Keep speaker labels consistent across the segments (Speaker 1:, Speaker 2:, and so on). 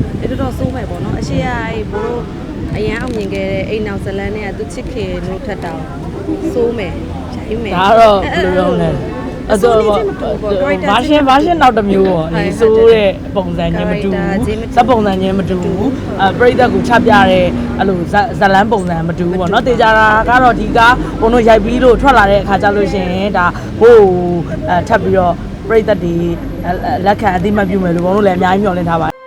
Speaker 1: အဲ့တော့စိုးမယ်ပေါ့နော်အရှိရအဲ့ဘိုးတို့အရန်အောင်မြင်ခဲ့တဲ့အိမ်နောက်ဇလန်းနဲ့သူချစ်ခင်လို့ထက်တောင်စိုးမယ်ရိုင်းမယ်
Speaker 2: ဒါတော့ဘယ်လိုလုပ်လဲအဲ့တော့ဘာရှင်းနောက်တစ်မျိုးပေါ့ဒီဆိုးတဲ့ပုံစံချင်းမတူဘူးစက်ပုံစံချင်းမတူဘူးပရိသတ်ကိုချပြတဲ့အဲ့လိုဇလန်းပုံစံမတူဘူးပေါ့နော်တေချာတာကတော့ဒီကဘုံတို့ရိုက်ပြီးလို့ထွက်လာတဲ့အခါကျလို့ရှိရင်ဒါဟိုထပ်ပြီးတော့ပရိသတ်တွေလက်ခံအသိမှတ်ပြုမယ်လို့ဘုံတို့လည်းအများကြီးမျှော်လင့်ထားပါတယ်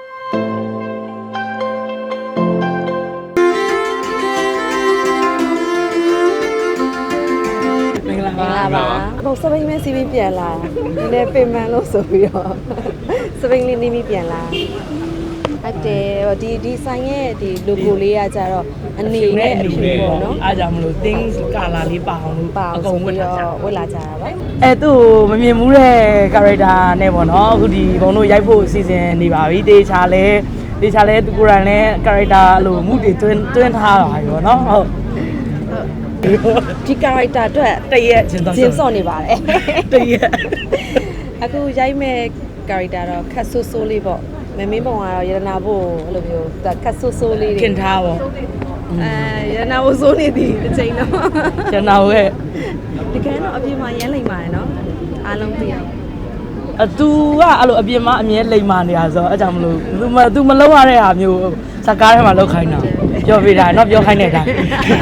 Speaker 1: တော့စပိန်မဲစီးပြီးပြန်လာဒီနေ့ပင်မလို့ဆိုပြီးတော့စပိန်လေးနေပြီးပြန်လာဟုတ်တယ်ဒီဆိုင်ရဲ့ဒီ logo လေးကကြတော့အနေနဲ့အဖြူပေါ့နော်
Speaker 2: အားကြောင့်မလို့ things color လေးပါအောင်လို့အကုန်ဝတ်လာကြ
Speaker 1: ဝတ်လာကြတာပါ
Speaker 2: အဲသူ့မမြင်ဘူးတဲ့ character နဲ့ပေါ့နော်အခုဒီဘုံတို့ရိုက်ဖို့အစီအစဉ်နေပါပြီတေချာလဲသူကိုယ်တိုင်လဲ character လို့မှုတွေတွင်းထားတာပေါ့နော်ဟုတ်
Speaker 1: ဒီ character အတွက်
Speaker 2: တရက်ချင်း
Speaker 1: စော့နေပါတယ်
Speaker 2: တရက်
Speaker 1: အခုရိုက်မဲ့ character တော့ခက်ဆူဆူလေးပေါ့မမင်းပုံကတော့ရတနာဖို့အဲ့လိုမျိုးခက်ဆူဆူလေး
Speaker 2: ခင်ထားပေါ့
Speaker 1: ရတနာဖို့စိုးနေသည်အချိန်တော့
Speaker 2: ရတနာရဲ့
Speaker 1: တကယ်တော့အပြင်မှာရမ်းလိမ့်ပါတယ်နော်အားလုံးသိအောင်
Speaker 2: သူကအဲ့လိုအပြင်မှာအမြဲလိမ်မာနေတာဆိုတော့အဲ့ကြောင့်မလို့သူမလုံးရတဲ့ဟာမျိုးစကားထဲမှာလောက်ခိုင်းတာပြောပြတာเนาะပြောခိုင်းတဲ့အတိုင်း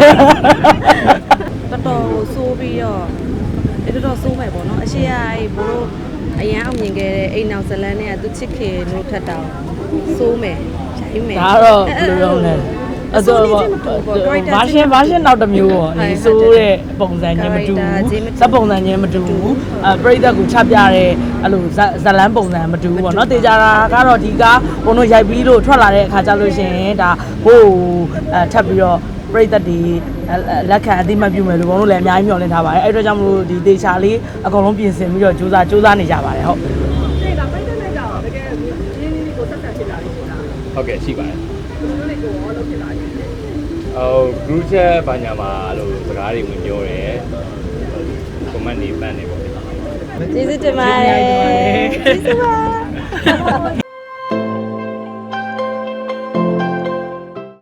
Speaker 1: တော်စိုးပြီးတော့အဲ့တော့စိုးမယ်ပေါ့နော်အရှိရအဲ့ဘိုးတို့အရန်အောင်မြင်ခဲ့တဲ့အိမ်နောက်ဇလန်းနဲ့သူချစ်ခင်လို့ထက်တောင်စိုးမယ်ရိုင်းမယ်
Speaker 2: ဒါတော့ဘယ်လိုလုပ်လဲအဲ့တော့ဘာရှင်းနောက်တစ်မျိုးပေါ့ဒီဆိုးတဲ့ပုံစံချင်းမတူဘူးစက်ပုံစံချင်းမတူဘူးပရိသတ်ကိုချပြတဲ့အဲ့လိုဇလန်းပုံစံမတူဘူးပေါ့နော်တေချာတာကတော့ဒီကဘုံတို့ရိုက်ပြီးလို့ထွက်လာတဲ့အခါကျလို့ရှိရင်ဒါဟိုထပ်ပြီးတော့ပရိသတ်တွေလက်ခံအသိမှတ်ပြုမယ်လို့ဘုံတို့လည်းအများကြီးမျှော်လင့်ထားပါတယ်အဲ့အတွက်ကြောင့်မလို့ဒီတေချာလေးအကုန်လုံးပြင်ဆင်ပြီးတော့စူးစမ်းနေကြပါတယ်ဟုတ်
Speaker 3: ဟုတ်ကဲ့ရှိပါတယ်group chat ဘာညာမှာအဲ့လိုစကားတွေဝင်ပြောတယ် comment တွေပတ်နေပေါ့
Speaker 1: ကျေးဇူးတင်ပါတယ်ကျေးဇူးပါ